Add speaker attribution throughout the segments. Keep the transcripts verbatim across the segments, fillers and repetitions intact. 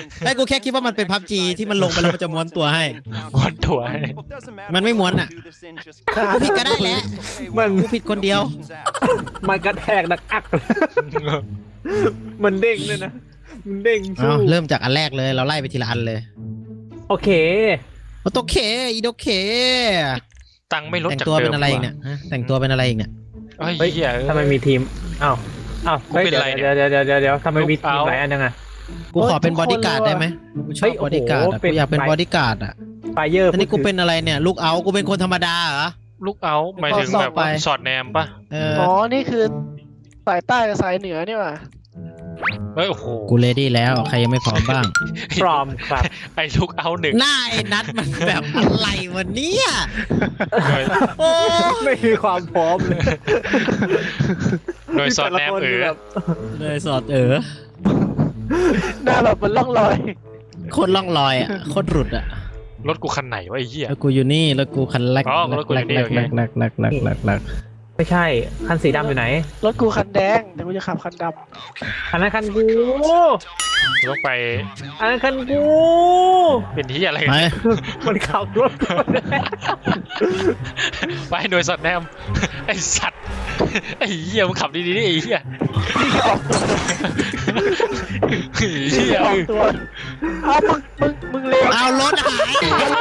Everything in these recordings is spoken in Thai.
Speaker 1: ไอ้กูแค่คิดว่ามันเป็นพับจีที่มันลงไปแล้วมันจะม้วนตัวให้
Speaker 2: ม้วนตัวให้
Speaker 1: มันไม่ม้วนอ่ะกูผิดก็ได้แหละ
Speaker 3: มัน
Speaker 1: กูผิดคนเดียว
Speaker 3: มันกระแทกดักอักมันเด้งเลยนะมันเด้ง
Speaker 1: เอาเริ่มจากอันแรกเลยเราไล่ไปทีละอันเลย
Speaker 3: โอเค
Speaker 1: โอโตเคอีโดเค
Speaker 2: ตังค์ไม่ลด
Speaker 1: แต่ง
Speaker 2: จาก
Speaker 1: ตัว
Speaker 2: เดิ
Speaker 1: เป็น
Speaker 2: ม
Speaker 1: อะไรอีกเนี่ยฮะแต่งตัวเป็นอะไรอีกเนี่ย
Speaker 2: เฮ้ย
Speaker 3: เฮ้ย
Speaker 2: เหี้ย
Speaker 3: ทำไมมีทีมอ้าวอ้าว
Speaker 2: กูเป็นไรเนี่ย
Speaker 3: เดี๋ยวเดี๋ยวเดี๋ยวเดี๋ยวทำไมมีทีม
Speaker 2: เอา
Speaker 3: หลายอันยังไง
Speaker 1: กูขอเป็นบอดี้การ์ดได้ไหมกูช
Speaker 3: เฮ้
Speaker 1: อบ
Speaker 3: ย
Speaker 1: บอดี้การ์ด
Speaker 3: โอ้
Speaker 1: อะ
Speaker 3: โหเป็น
Speaker 1: กูอยากเป็นบอดี้การ์ดอ่ะ
Speaker 3: ไฟเยอร์
Speaker 1: อันนี้กูเป็นอะไรเนี่ยลูกเอากูเป็นคนธรรมดาเหรอ
Speaker 2: ลูกเอาหมายถึงแบบว่า
Speaker 1: ไป
Speaker 2: สอดแนมปะ
Speaker 1: เออ
Speaker 4: อ๋อ นี่คือสายใต้กับสายเหนือนี่หว่า
Speaker 2: เฮ้ยโอ้โห
Speaker 1: กูเลดี้แล้วใครยังไม่พร้อมบ้าง
Speaker 3: พร้อมครับ
Speaker 2: ไอ้ลูกเอาหนึ่ง
Speaker 1: หน้าไอ้นัดมันแบบอะไรวะเนี่ยโอ้
Speaker 3: ไม่มีความพร้อมเลย
Speaker 2: โดยสอดแนมเออ
Speaker 3: แบบ
Speaker 1: เลยสอดเออ
Speaker 4: หน้าแบบมันล่องลอย
Speaker 1: โคตรล่องลอยอ่ะโคตรหลุดอ่ะ
Speaker 2: รถกูคันไหนวะไอ้เหี้ย
Speaker 1: แล้วกูอยู่นี่แล้วกูคันแรก
Speaker 2: อ๋อรถกูอยู่นี่โอเค
Speaker 1: แรกแรกแรกแรกแรกแรก
Speaker 3: ไม่ใช่คันสีดำอยู่ไหน
Speaker 4: รถกูคันแดงแต่กูจะขับคันด
Speaker 3: อันนั้นคันกู
Speaker 2: ต้องไป
Speaker 3: อันนั้นคันกู
Speaker 2: เป็นที่อะไร
Speaker 1: ไป
Speaker 3: มันขับรถกูเนี่ย
Speaker 2: ไปโดยสอดแนมไอ้สัตว์ไอ้เหี้ยมึงขับดีๆนี่ไอ้เหี้ย
Speaker 4: ำออกตัว
Speaker 2: ไอ้เหี้ย
Speaker 4: ออกตัวเอามึงมึงมึงเร็ว
Speaker 1: เอารถหาย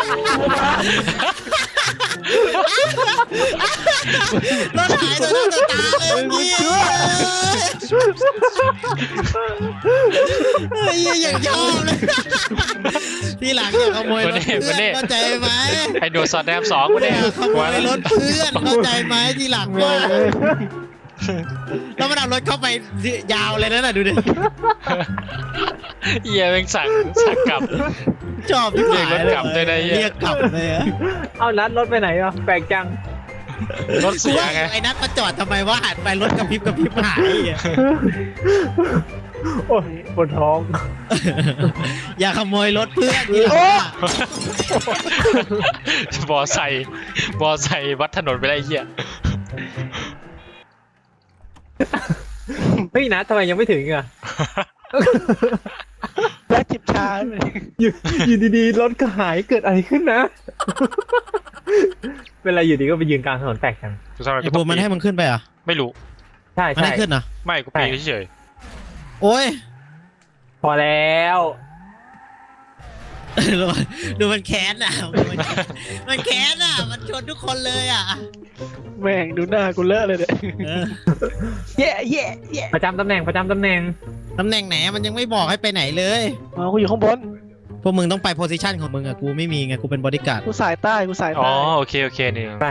Speaker 1: รถหายตัวหน้าตัวตาเลยเมื่อกี้เฮ้ยอย่างยอมเลยทีหลังอย่าขโมยรถเพื่อนเข้าใจไหม
Speaker 2: ไอ้โดยสอดแนมสองกู
Speaker 1: อ
Speaker 2: เนี่ย
Speaker 1: ย่าขโมยรถเพื่อนเข้าใจไหมทีหลังว่าแล้วมันเอารถเข้าไปยาวเลยนะน่ะดูดิ
Speaker 2: เหี้ยแม่งสั่งสั่งกลับ
Speaker 1: ชอบที่
Speaker 2: เรียกรถกลับด้วยนะเหี้ย
Speaker 1: เรียกกลับเลยอะ
Speaker 3: เอานัดรถไปไหนอ่ะแปลกจัง
Speaker 2: รถ
Speaker 1: กู
Speaker 2: เสีย
Speaker 1: ว่า
Speaker 2: ไง
Speaker 1: ไอ้นัทมาจอดทำไมว่าหันไปรถกระพริบกระพริบหายอ่ะ
Speaker 3: โอ้ยปวดท้อง
Speaker 1: อย่าขโมยรถเพื่อนทีหลังอะ
Speaker 2: บอไซค์บอไซค์วัดถนนไปได้ไอ้เหี้ย
Speaker 3: เฮ้ยนัดทำไมยังไม่ถึงอ่ะ
Speaker 4: แล้จิบชาไป
Speaker 3: อยู่อยู่ดีๆรถก็หายเกิดอะไรขึ้นนะ เวลาอยู่ดีก็ไปยืนกลางถนนแปลกจัง
Speaker 2: ทำไม
Speaker 1: ไอ้
Speaker 2: กู
Speaker 1: บู
Speaker 2: ต้อ
Speaker 1: ม
Speaker 2: ง
Speaker 1: มันให้มึงขึ้นไปเหรอ่ะ
Speaker 2: ไม่รู้
Speaker 3: ใช่
Speaker 1: มัน
Speaker 3: ใช่
Speaker 1: ให้ขึ้นเหรอ
Speaker 2: ไม่กูปีนเฉย
Speaker 1: โอ้ย
Speaker 3: พอแล้ว
Speaker 1: ดูมันดูมันแค้นอ่ะดูมันแค้นมันแค้นอ่ะมันชนทุกคนเลยอ่ะ
Speaker 4: แม่งดูหน้ากูเลอะเลยเนี่ย
Speaker 1: เออ
Speaker 4: แย่แย่แย่
Speaker 3: ประจำตำแหน่งประจำตำแหน่ง
Speaker 1: ตำแหน่งไหนมันยังไม่บอกให้ไปไหนเลย
Speaker 4: อ๋อกูอยู่ข้างบน
Speaker 1: พวกมึงต้องไปโพสิชันของมึงอ่ะกูไม่มีไงกูเป็นบอดี้การ์ด
Speaker 4: กูสายใต้กูสาย
Speaker 2: ๆอ๋อ
Speaker 4: ใต้
Speaker 2: โอเคโอเคนี่
Speaker 3: ไป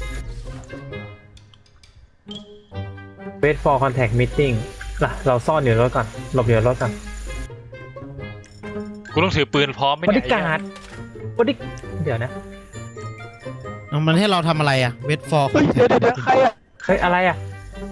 Speaker 3: wait for contact meeting ล่ะเราซ่อนอยู่ในรถก่อนหลบอยู่ในรถก่อน
Speaker 2: กูต้องถือปืนพร้อมไหม
Speaker 3: บ
Speaker 2: เนี่
Speaker 3: ริ
Speaker 2: ย
Speaker 3: การดบริเดี๋ยวนะ
Speaker 1: เอามันให้เราทำอะไรอ่ะเวทฟอร์
Speaker 4: เฮ้ยเดี๋ยวเดี๋ยวเดี๋ยวใครอะ
Speaker 3: เฮ้ยอะไรอ่ะ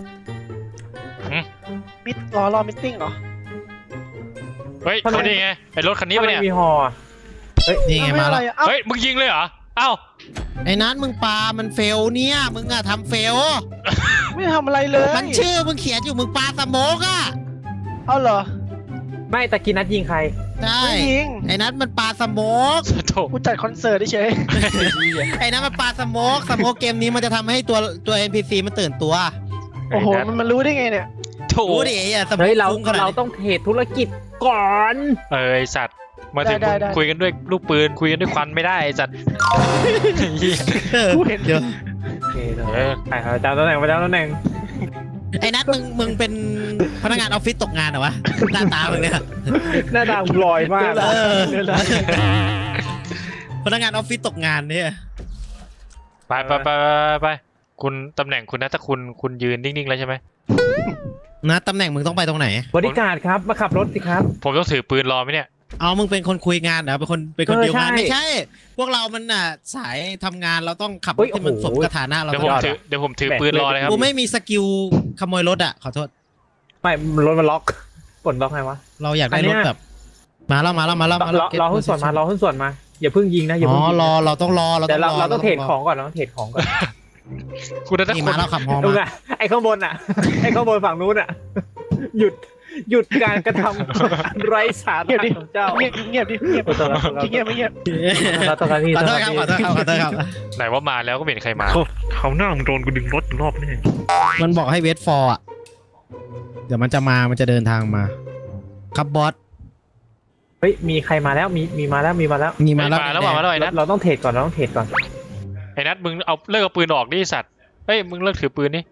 Speaker 4: มิดรอรอมิทติ้งเหรอ
Speaker 2: เฮ้ยเขานี่ไงไอ้รถคันนี้ปะเนี่ย
Speaker 3: ทำไมมีฮออะ
Speaker 1: นี่ไงมาแล้ว
Speaker 4: เอ้
Speaker 2: เฮ้ยมึงยิงเลยเหรอเอ้า
Speaker 1: ไอ้นัทมึงปามันเฟลเนี่ยมึงอ่ะทำเฟล
Speaker 4: ไม่ทำอะไรเลย
Speaker 1: มันชื่อมึงเขียนอยู่มึงปาสโมกอ่ะ
Speaker 4: เอาเหรอ
Speaker 3: ไม่ตะกี้นัดยิงใคร
Speaker 1: ใช่
Speaker 4: ไม่ยิง
Speaker 1: ไอ้นัทมันปาสโมก
Speaker 2: โถ
Speaker 4: กูจัดคอนเสิร์ตเฉย
Speaker 1: ไอ้นัทมันปาสโมกสโมกเกมนี้มันจะทำให้ตัวตัว เอ็น พี ซี มันตื่นตัว
Speaker 4: โอ้โหมันมันรู้ได้ไงเนี่ย
Speaker 2: โถ
Speaker 1: รู้ดิไอ้สโมก
Speaker 3: เฮ้ยเรา
Speaker 1: ฟุ้งขนาด
Speaker 3: เรา
Speaker 1: นี้
Speaker 3: ต้องเทรดธุรกิจก่อน
Speaker 2: เออไอสัตว์มาถึงมึงคุยกันด้วยลูกปืนคุยกันด้วยควันไม่ได้ไอสัตว์เหี้ย
Speaker 1: เออ
Speaker 4: กูเห็น
Speaker 1: เดี๋ยว
Speaker 3: โอเค
Speaker 2: เออ
Speaker 3: ไปประจำตำแหน่งประจำตำแหน่ง
Speaker 1: ไอ้นัทมึงมึงเป็นพนักงานออฟฟิศตกงานเหรอวะหน้าตามึงเนี่ย
Speaker 3: หน้าตาลอยมาก
Speaker 1: เออ
Speaker 4: เดี๋ยวนะ
Speaker 1: พนักงานออฟฟิศตกงานเนี่ย
Speaker 2: ไปไปไปไปไปคุณตำแหน่งคุณนะถ้าคุณคุณยืนนิ่งๆแล้วใช่ไหม
Speaker 1: นะตำแหน่งมึงต้องไปตรงไหน
Speaker 3: บริการดครับมาขับรถสิครับ
Speaker 2: ผมต้องถือปืนรอไหมเนี่ย
Speaker 1: เอามึงเป็นคนคุยงานเหรอเป็นคนเป็นคน
Speaker 3: เออ
Speaker 1: เดียวงาน
Speaker 3: ใช่
Speaker 1: ไม่ใช่ พวกเรามันอ่ะสายทำงานเราต้องขับร
Speaker 3: เฮ้
Speaker 1: ถ
Speaker 3: ย
Speaker 1: ที่มัน
Speaker 3: โอ้โห
Speaker 1: สมกับฐานะเรา
Speaker 2: เดี๋ยว
Speaker 1: ต
Speaker 2: ผม
Speaker 1: ลอด
Speaker 2: ถือเดี๋ยวผมถือปืนรอเลยครับ
Speaker 1: กูไม่มีสกิลขโมยรถอ่ะขอโทษ
Speaker 3: ไม่รถมันล็อกปลดล็อกไงวะ
Speaker 1: เราอยากได้
Speaker 3: อันเนี้
Speaker 1: รถ
Speaker 3: ย
Speaker 1: แบบมาแล้วมาแล้วมาแล้วมา
Speaker 3: ร
Speaker 1: แล้ว
Speaker 3: อรอหุ้นส่วนมารอหุ้นส่วนมาอย่าเพิ่งยิงนะอย่า
Speaker 1: อ๋
Speaker 3: เพิ่ง
Speaker 1: อ
Speaker 3: ยิง
Speaker 1: รอเราต้องรอเรา
Speaker 3: เดี๋ยวเรา
Speaker 1: รอ
Speaker 3: เราต้องเทรดของก่อนเราต้องเทรดของก่อน
Speaker 2: คุณนะถ้า
Speaker 1: นี่
Speaker 2: คน
Speaker 1: มาแล้วขับฮอ
Speaker 3: ดู
Speaker 1: มา
Speaker 3: ไงไอ้ข้างบนอ่ะ ไอ้ข้างบนฝั่งนู้นอ่ะ หยุดหยุดการกระทำอันไร้สา
Speaker 4: เงียบ
Speaker 3: ระ
Speaker 4: ดิ
Speaker 3: ของเจ้า
Speaker 4: เงียบเงียบดิเงียบ
Speaker 3: ขอโทษครับ
Speaker 4: เงียบไม่เงียบ
Speaker 3: ขอโทษครับพี่
Speaker 1: ขอโทษครับขอโทษครับขอโทษครับ
Speaker 2: ไหนว่ามาแล้วก็ไม่เห็นใครมา
Speaker 3: เขาหน้ามึงโดนกูดึงรถอีกรอบนี่
Speaker 1: มันบอกให้เวทฟอร์อ่ะเดี๋ยวมันจะมามันจะเดินทางมาครับบอส
Speaker 3: เฮ้ยมีใครมาแล้วมีมีมาแล้วมีมาแล้ว
Speaker 1: มีมาแล้ว
Speaker 2: มาแล้วมาแล้วไอ้นัท
Speaker 3: เราต้องเทรดก่อนเราต้องเทรดก่อน
Speaker 2: ไอ้นัทมึงเอาเลิกเอาปืนออกดิสัตว์เฮ้ยมึงเลิกถือปืนนี่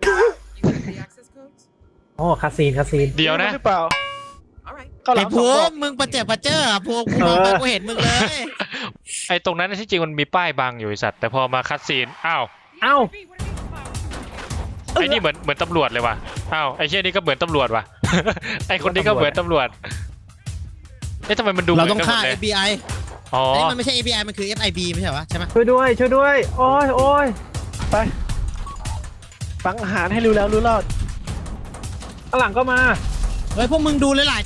Speaker 3: โอ้คาซีนคาซีน
Speaker 2: เดี๋ยวนะ
Speaker 4: หรือเปล่าก็หลั
Speaker 1: ไอ้
Speaker 4: ง
Speaker 1: ภู
Speaker 4: สอง
Speaker 1: มิมึงประเจ็บประเจ้อภูมิกูมองไปกูเห็นมึงเลย
Speaker 2: ไอ้ตรงนั้นที่จริงมันมีป้ายบังอยู่ไอ้สัตว์แต่พอมาคัดซีนอ้าว
Speaker 3: เอ้า
Speaker 2: ไอ้นี่เหมือนเหมือนตำรวจเลยว่ะอ้าวไอ้เชี่ยนี่ก็เหมือนตำรวจว่ะ ไอ้คนนี้ก็เหมือนตำรวจเอ๊ะทำไมมันดู
Speaker 1: เรา
Speaker 2: หมื
Speaker 1: ต้อง
Speaker 2: นกัน
Speaker 1: ฆ่า
Speaker 2: หมดเลย
Speaker 1: เอฟ บี ไอ
Speaker 2: อ๋อ
Speaker 1: อันนี้มันไม่ใช่ เอฟ บี ไอ มันคือ เอฟ ไอ บี ไม่ใช่เหรอวะใช่ไหม
Speaker 3: ช่วยด้วยช่วยด้วย โอ้ยโอ้ย
Speaker 4: ไปฟังอาหารให้รู้แล้วรู้รอด
Speaker 3: ข้างหลังก็มา
Speaker 1: เฮ้ยพวกมึงดูเลยหลาย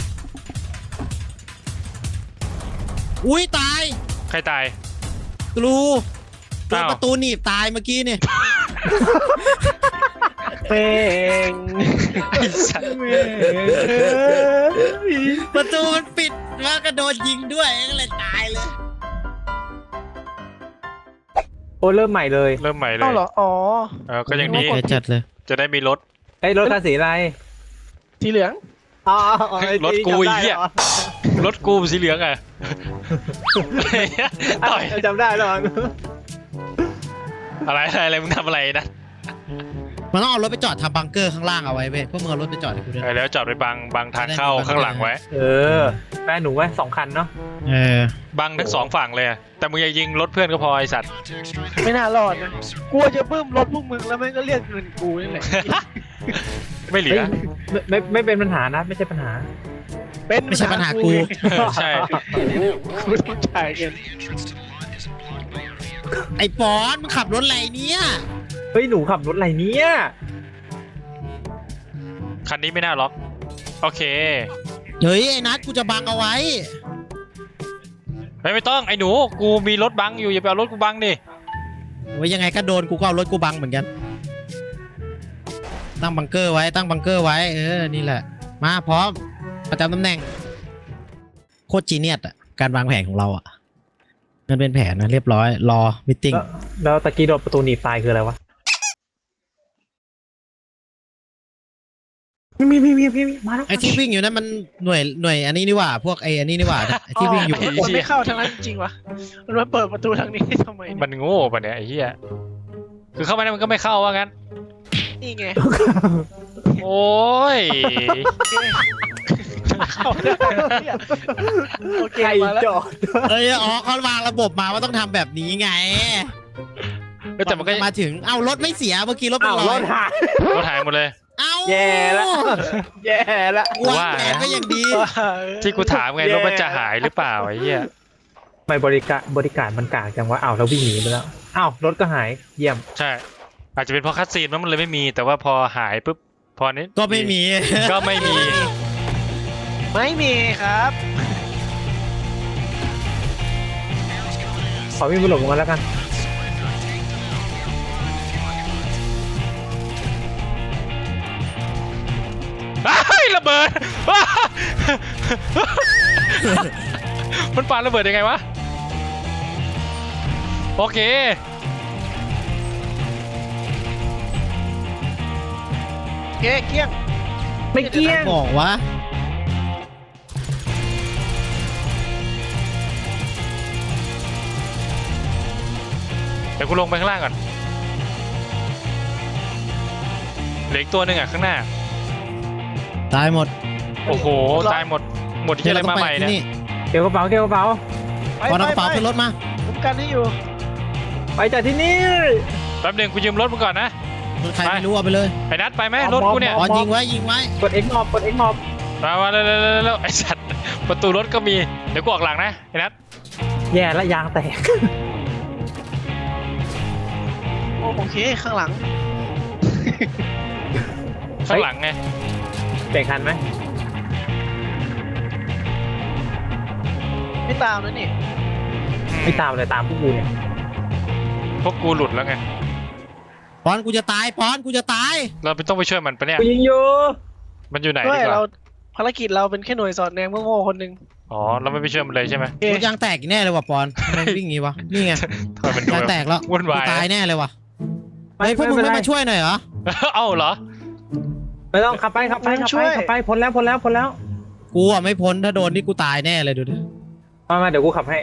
Speaker 1: อุ้ยตาย
Speaker 2: ใครตาย
Speaker 1: กรูโดน
Speaker 2: อ้าว
Speaker 1: ประตูหนีบตายเมื่อกี้เนี่ย
Speaker 4: เป่ง
Speaker 2: ไอ้สัตว์
Speaker 1: ประตูมันปิดแล้วก็โดนยิงด้วยก็เลยตายเลย
Speaker 3: โอ้ยเริ่มใหม่เลย
Speaker 2: เริ่มใหม่เล
Speaker 4: เอ้าย เหรออ๋อ
Speaker 2: เออก็ยังดี
Speaker 1: เดี๋ยวจัดเลย
Speaker 2: จะได้มีรถ
Speaker 3: ไอ้ยรถคันสีอะไร
Speaker 4: สีเหลือง
Speaker 3: อ๋อ
Speaker 2: รถกูไอ้เหี้ย รถกูสีเหลืองอ่ะ ต่อย
Speaker 3: จำได้แล้ว
Speaker 2: อะไรอะไรอะไรมึงทำอะไรนะ
Speaker 1: มันต้องเอารถไปจอดทำบังเกอร์ข้างล่างเอาไว้เว้ยพวกมึงเอารถไปจอดให้กูด้วย
Speaker 2: เออแล้วจอดไปบังบังทางเข้าข้างหลังไว้
Speaker 3: เออแม่หนูไว้สองคันเนาะ
Speaker 1: เออ
Speaker 2: บังทั้งสองฝั่งเลยอะแต่มึงอย่ายิงรถเพื่อนก็พอไอสัตว์
Speaker 4: ไม่น่ารอดนะกลัวจะเพิ่มรถพวกมึงแล้วแม่งก็เรียกเงินกูนี่แหละ
Speaker 2: ไม่เหลื
Speaker 3: เฮ้
Speaker 2: อ
Speaker 3: ยไม่ไม่ไม่เป็นปัญหานะไม่ใช่ปัญหา
Speaker 4: เป็น
Speaker 1: ไม่ใช่ปัญหากู
Speaker 2: ใช่
Speaker 4: กูต้องจ่ายเงิน
Speaker 1: ไอ้ปอนมึงขับรถอะไรเนี่ย
Speaker 3: เฮ้ยหนูขับรถอะไรเนี่ย
Speaker 2: คันนี้ไม่น่าล็อก โอเค
Speaker 1: เฮ้ยไอ้นัทกูจะบังเอาไว้
Speaker 2: ไม่ไม่ต้องไอ้หนูกูมีรถบังอยู่อย่าไปเอารถกูบังดิ
Speaker 1: โอ้ยยังไงก็โดนกูก็เอารถกูบังเหมือนกัน ตั้งบังเกอร์ไว้ตั้งบังเกอร์ไว้เออนี่แหละ มาพร้อมประจำตำแหน่งโคตรจีเนียสอะการวางแผนของเราอะมันเป็นแผนนะเรียบร้อยรอมิทติ้ง
Speaker 3: แล้วแล้วตะกี้โดนประตูหนีบตายคืออะไรวะมีมีมีมีมีมีมาแล้ว
Speaker 1: ไอ้ที่วิ่งอยู่นั้นมันหน่วยหน่วยอันนี้นี่หว่าพวกไอ้อันนี้นี่หว่าไอ้ที่วิ่งอยู่
Speaker 4: มันไม่เข้าทางนั้นจริงวะมันมาเปิดประตูทางนี้ทำไมเนี่ย
Speaker 2: มันโง่ปะเนี่ยไอ้เหี้ยคือเข้ามาได้มันก็ไม่เข้าว่างั้น
Speaker 4: นี่ไง
Speaker 2: โอ้ย
Speaker 4: เข้าได้เนี่ยโอเค
Speaker 3: ใคร
Speaker 4: มาแล้ว
Speaker 3: จอด
Speaker 1: เอ้ยอ๋อเขาวางระบบมาว่าต้องทำแบบนี้ไง
Speaker 2: เอ้ยแต่มันก็
Speaker 1: มาถึงเอ้ารถไม่เสียเมื่อกี้รถเป็
Speaker 3: อ้าน ว
Speaker 1: ร
Speaker 3: ร
Speaker 1: อย
Speaker 3: ถหาย
Speaker 2: รถหายหมดเลย
Speaker 1: เอ้า
Speaker 3: แย่ละแย่ละ
Speaker 1: วางแผนก็อย่างดี
Speaker 2: ที่กูถามไงรถมันจะหายหรือเปล่าไอ้เหี้ย
Speaker 3: ทำไมบริการบริการมันกากจังวะอ้าวเราวิ่งหนีไปแล้วอ้าวรถก็หายเยี่ยม
Speaker 2: ใช่ อาจจะเป็นเพราะคัดซีนมันเลยไม่มี แต่ว่าพอหายปุ๊บพอนี้
Speaker 1: ก็ไม่มี
Speaker 2: ก็ไม่มี
Speaker 4: ไม่มีครับ
Speaker 3: ขอวิ่งไปหลบลงมาแล้วกัน
Speaker 2: อ้ายระเบิด มันปาระเบิดยังไงวะ โอเค
Speaker 4: เก๊เกี้ยง
Speaker 3: ไม่เกี้ยง
Speaker 1: บอกว่า
Speaker 2: เดี๋ยวกูลงไปข้างล่างก่อนเหลืออีกตัวหนึ่งอ่ะข้างหน้า
Speaker 1: ตายหมด
Speaker 2: โอ้โห ตายหมด หมดที่อะไรมาใหม่เนี่ย
Speaker 3: เกี่ยวกระเป๋าเกี่ยวกระเป๋า
Speaker 4: ไป
Speaker 1: พอเอากระเป๋า
Speaker 4: ไป
Speaker 1: ขึ้นรถมา
Speaker 4: ผมกันให้อยู่
Speaker 3: ไปจากที่นี่
Speaker 2: แป๊บหนึงกูยืมรถมึงก่อนนะ
Speaker 1: ใครไม่รู้เอาไปเลย
Speaker 2: ไอ้นัทไปไหมรถกูเนี่ย
Speaker 1: อ๋อยิงไว้ยิงไว้
Speaker 3: กด X มอบกด X มอบ
Speaker 2: มามาเร็วๆๆๆไอ้สัตว์ประตูรถก็มี เดี๋ยวกูออกหลังนะไอ้นัท
Speaker 3: แย่ละยางแตก
Speaker 4: โอเคข้างหลัง
Speaker 2: ข้างหลังไง
Speaker 3: เปลี่ยนคันไหม
Speaker 4: ไม่ตามนะนี่
Speaker 3: ไม่ตามเลยตามพวกกูเนี่ย
Speaker 2: พวกกูหลุดแล้วไง
Speaker 1: ปอนกูจะตายปอนกูจะตาย
Speaker 2: เราไม่ต้องไปช่วยมันปะเนี่ย
Speaker 3: กูยิงอยู่
Speaker 2: มันอยู่ไหน
Speaker 4: ด้ว
Speaker 2: ดี
Speaker 4: ย
Speaker 2: กว่า
Speaker 4: เราภารกิจเราเป็นแค่หน่วยสอดแนมโง่ๆคนหนึ่ง
Speaker 2: อ๋อเราไม่ไปช่วยมันเลยใช่ไหม
Speaker 4: โอเค
Speaker 1: รถยางแตกอีกแน่เลยว่ะปอนทำไมวิ่งงี้วะนี่ไง
Speaker 2: ทำไมมันดู
Speaker 1: ยางแตกแล้ว
Speaker 2: วุ่นวาย
Speaker 1: กูตายแน่เลยว่ะเฮ้ยพวกมึง
Speaker 3: ไม่
Speaker 1: ไม่
Speaker 3: เป็นไร
Speaker 1: มาช่วยหน่อยเหรอ
Speaker 2: เอ้าเหรอ
Speaker 3: ไม่ต้องขับไปขับไปขับไปขับไปพ้นแล้วพ้นแล้วพ้นแล้ว
Speaker 1: กูอ่ะไม่พ้นถ้าโดนนี่กูตายแน่เลยดูดิ
Speaker 3: มามาเดี๋ยวกูขับให้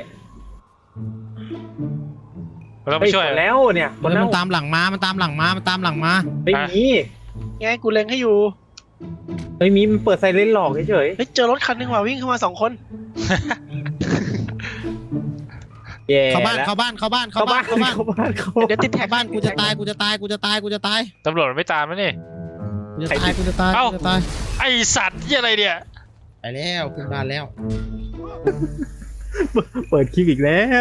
Speaker 2: เราต้องไปช่วย
Speaker 3: พ้นแล้วเนี่ยพ้น
Speaker 1: แล้
Speaker 3: แล้วว
Speaker 1: มันตามหลังมามันตามหลังมามันตามหลังมา
Speaker 3: ไม่มี
Speaker 4: ไงกูเล็งให้อยู่
Speaker 3: ไม่มีมันเปิดไซเรนหลอกเฉย
Speaker 4: เฮ้ยเจอรถคันหนึงว่ะวิ่งเข้ามาสองคน
Speaker 3: ๆแย่
Speaker 1: เข้าบ้าน
Speaker 3: แล้ว
Speaker 1: เข้าบ้านเข้าบ้าน
Speaker 3: เข้า
Speaker 1: เข้า
Speaker 3: บ้า
Speaker 1: บ้าน นเข้าบ้าน
Speaker 3: เข้าบ้านเข้า
Speaker 4: เดี๋ยวติดแท็
Speaker 1: เข้าก บ้านกูจะตายกูจะตายกูจะตายกูจะตาย
Speaker 2: ตำรวจมันไม่ตามแล้วนี่
Speaker 1: กูจะตายกูจะตาย
Speaker 2: เอ้า
Speaker 1: กูจะตาย
Speaker 2: ไอสัตว์ที่อะไรเนี่ย
Speaker 1: ไปแล้วขึ้นบ้านแล้ว
Speaker 3: เปิดคลิปอีกแล้ว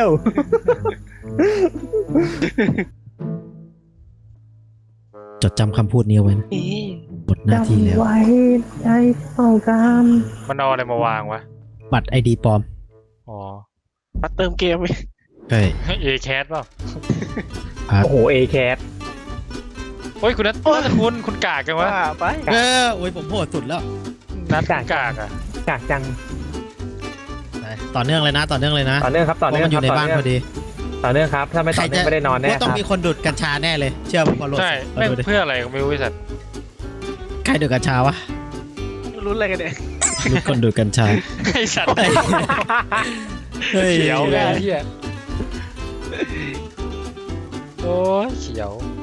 Speaker 1: จดจำคำพูดนี้เอาไว้นะ
Speaker 4: นี่
Speaker 1: หมดหน้าที่แล้ว
Speaker 3: ไว้ใจต้องการ
Speaker 2: มันเอาอะไรมาวางวะ
Speaker 1: บัตรไอดีปลอม
Speaker 2: อ๋อ
Speaker 4: มาเติมเกมไป
Speaker 1: ใช่
Speaker 2: เอแคสเปล่า
Speaker 3: โอ้โหเอแคส
Speaker 2: โอ้ยคุณนัทนัทคุณคุณกากกันวะ
Speaker 4: ว่าไป
Speaker 1: เออโอ้ยผมโหดสุดแล้ว
Speaker 2: นัทคุณกากอ่ะ
Speaker 3: กากจัง
Speaker 1: ไปต่อเนื่องเลยนะต่อเนื่องเลยนะ
Speaker 3: ต่อเนื่องครับ
Speaker 1: เพ
Speaker 3: ต่อ
Speaker 1: ราะ
Speaker 3: เนื่อง
Speaker 1: มันอ
Speaker 3: ครับ
Speaker 1: ยู่ใน
Speaker 3: ต่อ
Speaker 1: บ้าน
Speaker 3: เนื่
Speaker 1: พ
Speaker 3: อง
Speaker 1: อดี
Speaker 3: ต่อเนื่องครับถ้าไม่ต่อเนื่องไม่ได้นอนแน่
Speaker 1: ว่าต้อง
Speaker 3: ครับ
Speaker 1: มีคนดูดกัญชาแน่เลยเชื่อผมพอโหลด
Speaker 2: ใช่
Speaker 1: เอา
Speaker 2: แม่ง
Speaker 1: ดูดิ
Speaker 2: เพื่ออะไรก็ไม่รู้ไอ้สัตว์
Speaker 1: ใครดูดกัญชาวะ
Speaker 4: รุ้นอะไรกันเนี่ย
Speaker 1: มีคนดูดกัญชา
Speaker 2: ไอสัตว์
Speaker 1: เฮ้ย
Speaker 2: เขียวเลยไอ้เฮียโอ้ยเขียว